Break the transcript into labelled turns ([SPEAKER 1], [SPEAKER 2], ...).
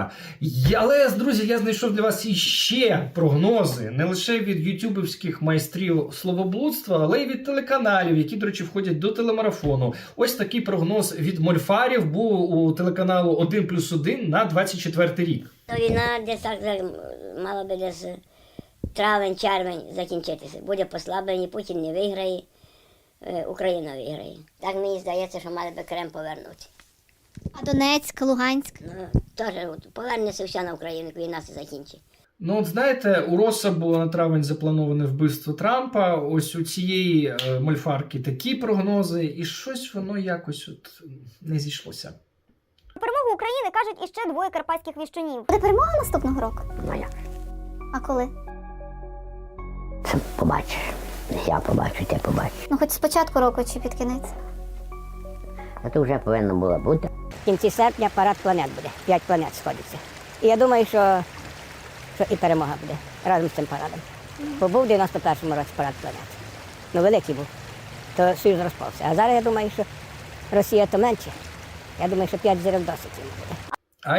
[SPEAKER 1] Але, друзі, я знайшов для вас іще прогнози, не лише від ютубівських майстрів словоблудства, але й від телеканалів, які, до речі, входять до телемарафону. Ось такий прогноз від мольфарів був у телеканалу 1+1 на 24 рік.
[SPEAKER 2] Війна десь так мала би десь травень-червень закінчитися. Буде послаблення, Путін не виграє, Україна виграє. Так мені здається, що мали би Крим повернути.
[SPEAKER 3] А Донецьк, Луганськ?
[SPEAKER 2] Ну, теж повернеться вся на Україну, як війна все закінчить.
[SPEAKER 1] Ну, от знаєте, у Росса було на травень заплановане вбивство Трампа, ось у цієї мольфарки такі прогнози, і щось воно якось от не зійшлося.
[SPEAKER 4] Про перемогу України кажуть іще двоє карпатських віщунів.
[SPEAKER 3] Буде перемога наступного року?
[SPEAKER 2] Ну як?
[SPEAKER 3] А коли?
[SPEAKER 2] Це побачиш. Я побачу, ти побачиш.
[SPEAKER 3] Ну, хоч з початку року чи під кінець?
[SPEAKER 2] А то вже повинно було бути. В кінці серпня парад планет буде. 5 планет сходиться. І я думаю, що і перемога буде разом з цим парадом. Бо був в 91-му році парад планет. Ну, великий був. То Союз розпався. А зараз я думаю, що Росія то менше. Я думаю, що 5 зірок досить йому буде.